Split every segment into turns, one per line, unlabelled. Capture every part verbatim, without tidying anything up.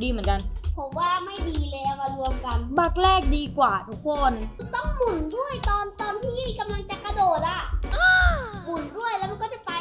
เหมือนกัน
ผมว่าไม่ดีเลยเอามารวมกัน
บักแรกดีกว่าทุกคน
ต้องหมุนด้วยตอนตอนที่กำลังจะกระโดดอ่ะหมุนด้วยแล้วมันก็จะไป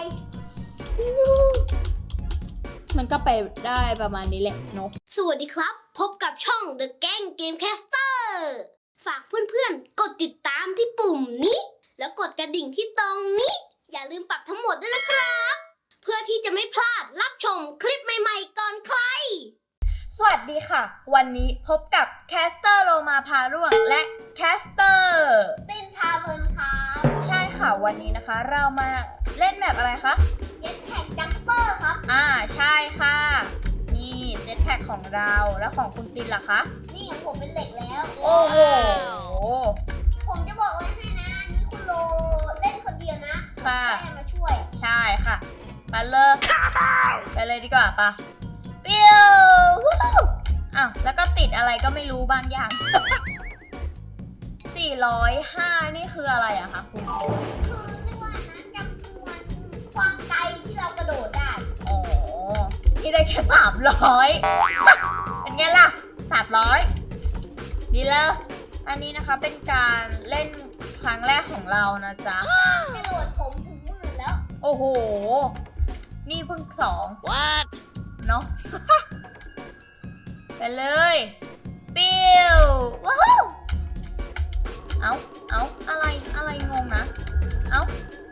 มันก็ไปได้ประมาณนี้แหละเนาะ
สวัสดีครับพบกับช่อง The Gang Gamecaster ฝากเพื่อนๆกดติดตามที่ปุ่มนี้แล้วกดกระดิ่งที่ตรงนี้อย่าลืมปรับทั้งหมดด้วยนะครับเพื่อที่จะไม่พลาดรับชมคลิปใหม่ๆก่อนใคร
สวัสดีค่ะวันนี้พบกับแคสเตอร์โลมาพาร่วงและแคสเตอร์
ตินพาเพลินครับ
ใช่ค่ะวันนี้นะคะเรามาเล่นแบบอะไรคะ
เจ็ตแพ็กจัมเปอร์ครับ
อ่าใช่ค่ะนี่เจ็ตแพ็กของเราแล้วของคุณตินล่ะคะ
นี่ของผมเป็นเหล็กแล้ว
โอ้โห
ผมจะบอกไว้ให้นะนี่คุณโลเล่นคนเดียวนะ
ค่ะ
แค่มาช่วย
ใช่ค่ะไปเลยไปเลยดีกว่าปะปิ้วอ้าวแล้วก็ติดอะไรก็ไม่รู้บางอย่างสี่ร้อยห้านี่คืออะไรอะคะคุณ
คือเรียกว่านะจำนวนความไกลที่เรากระโดดได้
อ๋อนี่ได้แค่สามร้อยเป็นไงล่ะสามร้อยดีเลยอันนี้นะคะเป็นการเล่นครั้งแรกของเรานะจ๊ะ
กระโดดผมถึงหมื่นแล้ว
โอ้โหนี่เพิ่งสอง What เนาะไปเลยปิ้วว้าวเอาเอาอะไรอะไรงงนะเอา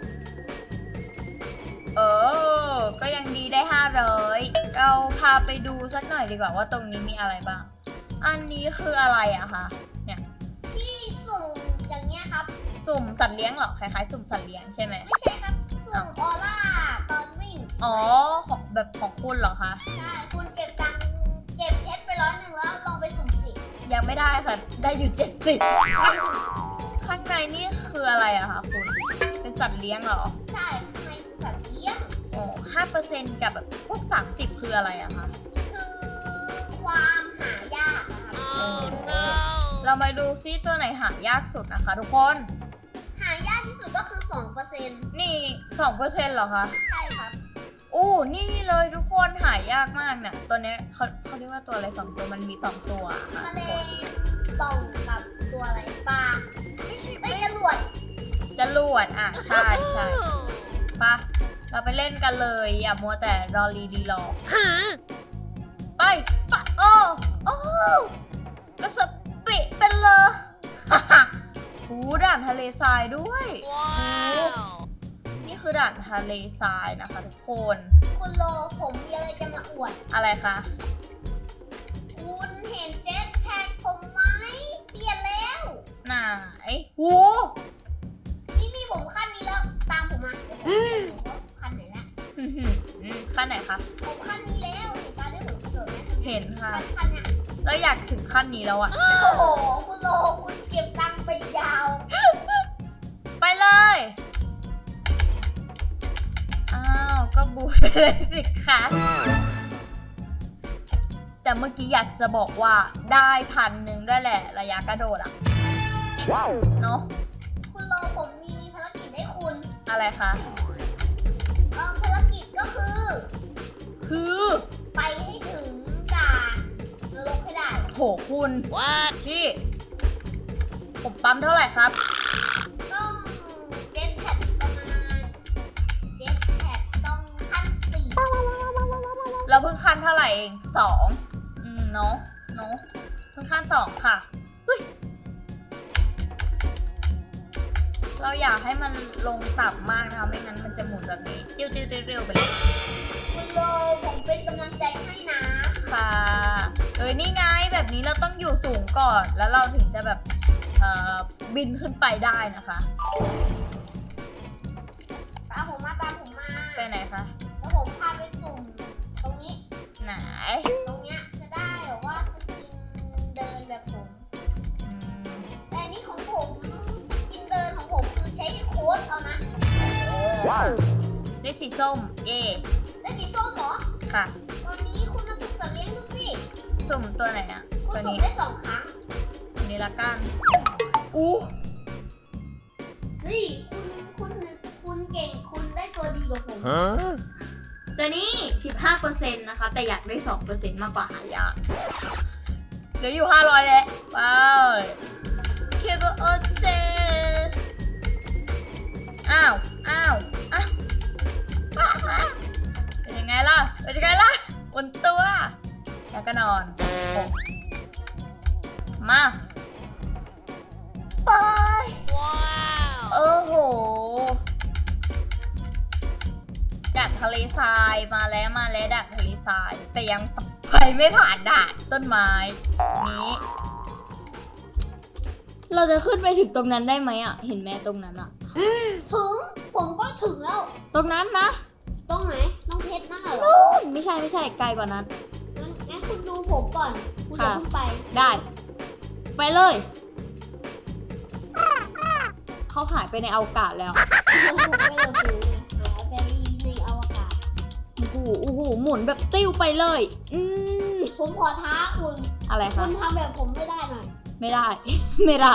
เออก็ยังดีได้ห้าร้อยเราพาไปดูสักหน่อยดีกว่าว่าตรงนี้มีอะไรบ้างอันนี้คืออะไรอะคะเนี่ย
ที่สุ่มอย่างเงี้ยครับ
สุ่มสัตว์เลี้ยงเหรอคล้ายๆสุ่มสัตว์เลี้ยงใช่ไหม
ไม่ใช่ครับสุ่มออร่าตอนวิ่ง
อ๋อของแบบของคุณเหรอคะ
ใช่คุณเก็บตังค์เก็บเพชรไปร้อยหนึ่งแล้วลองไปสุ่มสิ
ยังไม่ได้ค่ะได้อยู่เจ็ดสิบข้างในนี่คืออะไรอะคะคุณเป็นสัตว์เลี้ยงเหรอ
ใช่ข้างในคือสัตว์เลี้ยง
โอ้ห้าเปอร์เซ็นต์กับแบบพวกสามสิบคืออะไรอะคะ
คือความหายากนะคะ
เรามาดูซิตัวไหนหายากสุดนะคะทุกคน
หายากที่สุดก็คือสองเปอร์เซ็นต์
นี่สองเปอร์เซ็นต์เหรอคะ
ใช่ครับ
อู้นี่เลยทุกคนหายากมากเนี่ยตัวนี้เขาเขาเรียกว่าตัวอะไรสองตัวมันมีสองตัวค่ะ
ทะเลป่องกับตัวอะไรปลา
ไม่ใช่
ไม่จรวด
จรวดอ่ะใช่ใช่ปะเราไปเล่นกันเลยอย่ามัวแต่รอรีดีรอไปปะโอ้โอ้กระสปิเป็นเลยหูด่านทะเลทรายด้วยนี่คือด่านทะเลทรายนะคะทุกคน
คุณโลผมมีอะไรจะมาอวด
อะไรคะ
คุณเห็นเจ็ตแพ็กผมไหมเปลี่ยนแล้ว
ไหนโอ้
นี่มีผมขั้นนี้แล้วตามผมมาเดี๋ยวผมจะดูว่าขั้นไหนละ
ขั้นไหนคะ
ผมขั้นนี้แล้วเห็นป้าได้ผมเกิดไหม
เห็นค่ะ
ขั้นเนี้ย
แล้วอยากถึงขั้นนี้แล้วอะ
โอ้โหคุณโลคุณเก็บตังค์ไปยาว
ไปเลยอ้าวก็บูทไปเลยสิคะแต่เมื่อกี้อยากจะบอกว่าได้พันหนึ่งด้วยแหละระยะกระโดดอะเนาะ
คุณโลผมมีภารกิจให้คุณ
อะไรคะ
เออภารกิจก็คือ
คือ
ไปให้ถึงด่านนรกให้ได้
โหคุณพี่ผมปั๊มเท่าไหร่ครับ
ต้องเจ็ตแพ็กประมาณเจ็ตแพ็กต้องขั้นสี่
เราเพิ่งขั้นเท่าไหร่เองสองอืมเนาะเนาะเพิ่งขั้นสองค่ะเฮ้ยเราอยากให้มันลงต่ำมากนะคะไม่งั้นมันจะหมุนแบบนี้ติ้วติ้วเร็วไปเลย
คุณโลผมเป็นกำลังใจให้นะ
ค่ะเอ้ยนี่ไงแบบนี้เราต้องอยู่สูงก่อนแล้วเราถึงจะแบบเอ่อบินขึ้นไปได้นะคะ
ตามผมมาตามผมมา
ไปไหนคะ
แล้วผมพาไปสุ่มตรงนี้
ไหน
ตรงเนี้ยจะได้แบบว่าสกินเดินแบบผมแต่นี่ของผมสกินเดินของผมคือใช้โค้ดเอานะ
ได้สีส้มเย่
ได้สีส้มเหรอ
ค่ะ
ตอนนี้คุณมาสุ่มสัตว์เลี้ยงดูสิ
สุ่มตัวไหนอ่ะ
คุณสุ่มได้สองครั้ง
นี่ละกันอู้
เฮ้ยคุณคุณคุณเก่งคุณได้ตัวดีกว่าผม
ตัวนี้ สิบห้าเปอร์เซ็นต์ นะคะ แต่อยากได้ สองเปอร์เซ็นต์ มากกว่าหายากเหลืออยู่ ห้าร้อยแล้วไปเคเบิลโอเซอ้าวอ้าวอ้าวเป็นยังไงล่ะเป็นยังไงล่ะบนตัวแล้วก็นอนโอ้มาไปว้าวโอ้โหดักทะเลทรายมาแล้วมาแล้วดักทะเลทรายแต่ยังไปไม่ผ่านด่านต้นไม้นี้เราจะขึ้นไปถึงตรงนั้นได้ไหมอ่ะเห็นไหมตรงนั้นอ่ะ
ถึงผมก็ถึงแล้ว
ตรงนั้นนะ
ตรงไหนน้องเพชรนั่นเหรอ
นู่นไม่ใช่ไม่ใช่ไกลกว่านั้น
งั้นงั้นคุณดูผมก่อนคุณอย่าเพิ่งไป
ได้ ไปเลย เขาหายไปในอวกาศแล้ว
ผมไม่เราถึงหายไปในอวกาศ
โอ้โหโอ้โหหมุนแบบติ้วไปเลย อืม
ผมขอท้าคุณ
อะไร
คุ
คะ
ณทำแบบผมไม่ได้หน่อย
ไม่ได้ ไม่ได้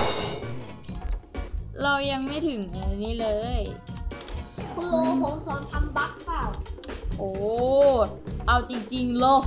เรายังไม่ถึงอันนี้เลย
คุณโลผมสอนทำบั๊กเปล่า
โอ้ เอาจริงๆเลย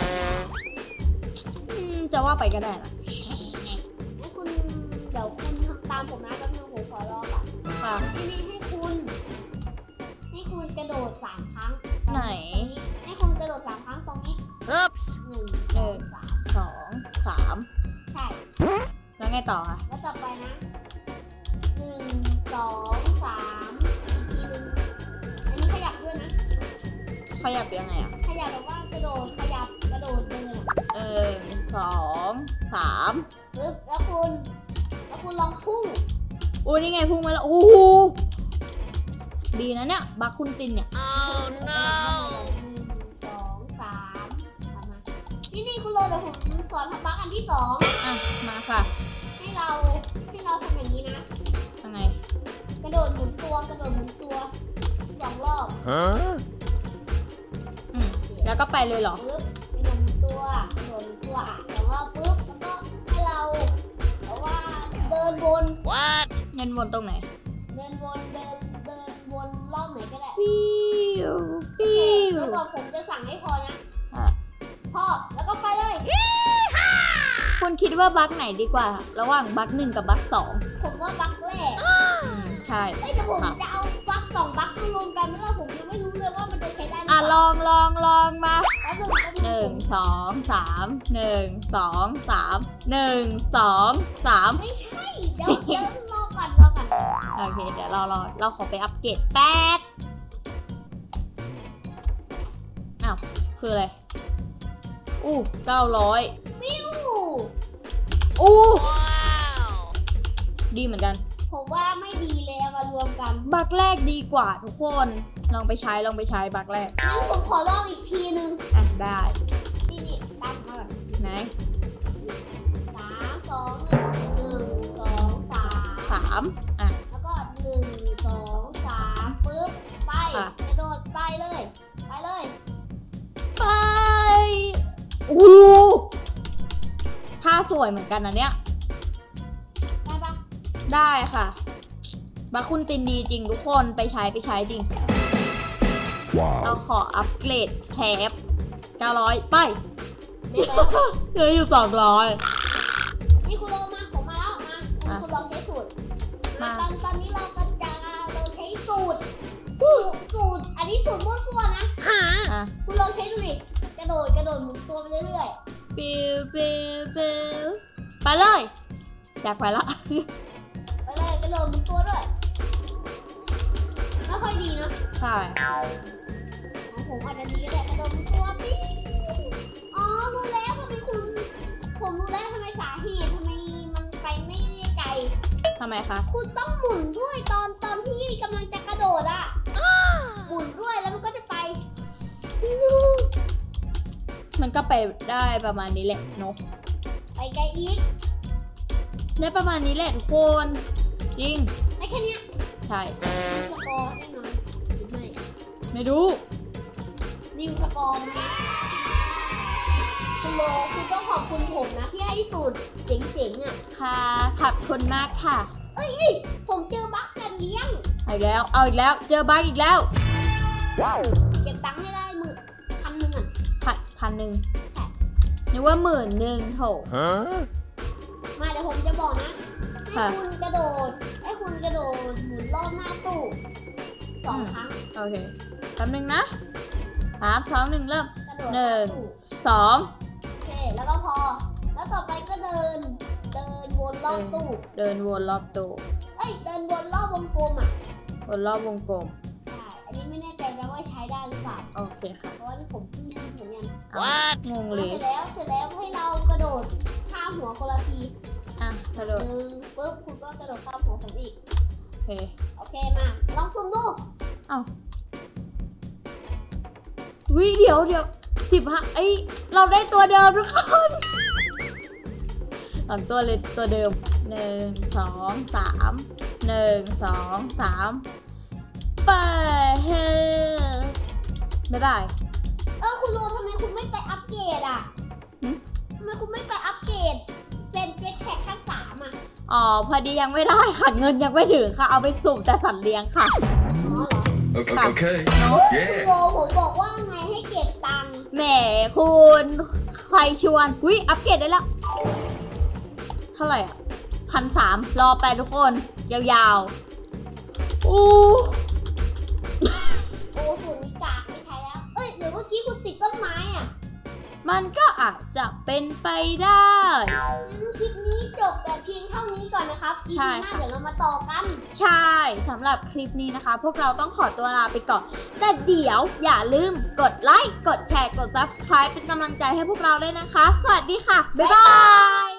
อืมจะว่าไปก็ได้นะ
ให้คุณเดี๋ยวคุณทำตามผมนะแป๊บนึงผมขอรอก่อน
ค่ะ
ที่นี่ให้คุณ ให้คุณกระโดดสามครั้ง
ไหน
ตรงนี้ให้คุณกระโดดสามครั้งตรงนี้หนึ่งสองสาม
สองสาม
ใช่
แล้วไงต่อคะ
แล้วต่อไปนะหนึ่งสองสามอีกทีหนึ่งอันนี้ขยับด้วยนะ
ขยับยังไงอ่ะ
ขยับแบบว่ากระโดดขยับกระโดดเดินอะ
เออสองสาม
ปึ๊บแล้วคุณ แล้วคุณลองพุ่ง
โอ้นี่ไงพุ่งมาแล้ว โอ้โหดีนะเนี่ย บักคุณตินเนี่ย
oh no หนึ่งสองสามทำมานี่นี่คุณโรเดี๋ยวผมสอนทำบั๊กอันที่สอง
อ่ะ มาค่ะ
ให้เราให้เราทำอย่างนี้นะ
ยังไง
กระโดดหมุนตัวกระโดดหมุนตัวสองรอบ
อืมแล้วก็ไปเลยเหรอ
ปึ๊บกระโดดหมุนตัวกระโดดหมุนตัวอ่ะสองรอบปึ๊บแล้วก็ให้เราเพราะว่าเดินวน
เงินวนตรงไหน
เดินวนเดินเดินวนรอบไหนก็ได้
ปิ้ว
โอเค
ปิ้ว
แล้วก็ผมจะสั่งให้พอนะ
อ่ะ
พอแล้วก็ไปเลย
คุณคิดว่าบักไหนดีกว่า ระหว่างบักหนึ่งกับบักสอง
ผมว่าบั๊กแรก
อืมใช่
เอ้ยแต่ผมจะเอาบั๊กสองบั๊กมารวมกันไม่ว่าผมยังไม่รู้เลยว่ามันจะใช้ได้หรือ
อ่ะ
เป
ล
ล่า
องลองลองมา
แป๊บนึงแป๊บ
ห
นึ
นึ่
ง
งสองสามหนึ่งสองสามหนึ่งสองสาม
ไม่ใช่เดี๋ยวเดี๋ยวรอก่อนรอก่อน
โอเค เดี๋ยวเรารอเราขอไปอัปเกรดแป๊บอ้าวคืออะไรอู้เก้าร้อย
ปิ้ว
อู้ดีเหมือนกัน
ผมว่าไม่ดีเลยเอามารวมกัน
บักแรกดีกว่าทุกคนลองไปใช้ลองไปใช้บักแรก
งั้นผมขอลองอีกทีนึง
อ่ะได้
นี่นี่ตามมาก่อน
ไหน
สามสองหนึ่งหนึ่งสองสาม
สามอ่ะ
แล้วก็หนึ่งสองสามปึ๊บไป
ค่ะ
กระโดดไปเลย ไปเลย
ไปอู้ท่าสวยเหมือนกันนะเนี่ย
ได้ปะ
ได้ค่ะบัคคุณตินดีจริงทุกคนไปใช้ไปใช้จริง เรา
Wow.
ขออัปเกรดแคปเก้าร้อยไป
ไม่แล้ว
เหลืออยู่สองร้อย
นี่คุณโลมาผมมาแล้วมา
อ่ะ
คุณลองใช้สูตร
มา
ตอนตอนนี้เราก็จะเราใช้สูตรสูตรสูตร อันนี้สูตรมั่วซั่วนะ
อ่ะ
คุณลองใช้ดูดิ กระโดดกระโดดหมุนตัวไปเรื่อย
ปิวปิวปิวไปเลยอยากไปละ
ๆ ไปเลยกระโดดหมุนตัวด้วย ไม่ค่อยดีเนอะ
ใช่
ของผมอาจจะดีก็ได้กระโดดหมุนตัวปิ๊งอ๋อรู้แล้วทำไมคุณ ผมรู้แล้วทำไมสาเหตุทำไมมันไปไม่ได้ไกล
ทำไมคะ
คุณต้องหมุนด้วยตอนตอนที่กำลังจะกระโดดอ่ะ หมุนด้วยแล้วมันก็จะไป
มันก็ไปได้ประมาณนี้แหละเนอะ
ไปไกลอีก
ได้ประมาณนี้แหละทุกคนจริง
ได้แค่เนี้ย
ใช่
นิวสกอร์แน่นอนหรือไม่
ไม่ดู
นิวสกอร์นะคุณโลคุณต้องขอบคุณผมนะ ที่ให้สูตรเจ๋งๆอ่ะ
ค่ะขอบคุณมากค่ะ
เอ้ย ผมเจอบัคสันเลี้ยง
เอาอีกแล้ว เอาอีกแล้ว เจอบั๊กอีกแล้ว
Wow.
เก็บตังค์ให้ได้
พันหนึ่ง
ใช่
นึกว่าหมื่นหนึ่งโถ
มาเดี๋ยวผมจะบอกนะ ให้
ค่ะ
คุณกระโดด ให้คุณกระโดดหมุนรอบหน้าตู้สองครั้ง
โอเคแป๊บนึงนะสามสองหนึ่งเริ่ม
กระโดด
หนึ่ง
ตู้
สอง
โอเค แล้วก็พอ แล้วต่อไปก็เดิน เดินวนรอบตู้
เดินวนรอบตู้
เอ้ย เดินวนรอบวงกลมอ่ะ
วนรอบวงกลม
ใช่ อันนี้ไม่แน่ใจนะว่าใช้ได้หรือเปล่า
โอเคค่ะ
เพราะว่านี่ผมเพิ่งคิดเหมือนกัน
อ่ะงงเล
เส
ย
ร็จแล้ว เสร็จแล้วให้เรากระโดดข้ามหัวคนละที
อ่ะกระโด
ห
ด
นึ่งปุ๊บคุณก็กระโดดข้ามหัวผมอีก
โอเค
โอเคมา ลองซูมดู
เอ้าวิเดี๋ยวเดี๋ยวสิบห้าเอ้ยเราได้ตัวเดิมทุกคนสามตัวเลยตัวเดิมหนึ่งสองสามหนึ่งสองสามไปเฮ้บ๊ายบาย
เออคุณโรทำไมคุณไม่ไปอัปเกรดอ่ะ
หึ
ทำไมคุณไม่ไปอัปเกรดเป็นเจ็ตแพ็คขั้นสามอ่ะ
อ๋อพอดียังไม่ได้ค่ะเงินยังไม่ถึงค่ะเอาไปสุ่มแต่สัตว์เลี้ยงค่ะ
อ๋อเหรอ
Okay. okay.
เนาะ
คุณ
Yeah.
โรผมบอกว่าไงให้เก็บตังค์
แหมคุณใครชวนวิอัปเกรดได้แล้วเท่าไหร่อ่ะพันสามรอไปทุกคนยาวๆอู้
โอ้ส่วนนี้กากไม่ใช้แล้ว เอ้ยเดี๋ยวเมื่อกี้คุณติดต้นไม้อ่ะ
มันก็อาจจะเป็นไปได้
งั้นคลิปนี้จบแต่เพียงเท่านี้ก่อนนะครับ อี
ใช่
พีหน้า
ค่ะ
เดี๋ยวเรามาต่อกัน
ใช่สำหรับคลิปนี้นะคะ พวกเราต้องขอตัวลาไปก่อน แต่เดี๋ยวอย่าลืมกดไลค์ กดแชร์ กด ซับสไครบ์ เป็นกำลังใจให้พวกเราด้วยนะคะ สวัสดีค่ะ บ๊ายบาย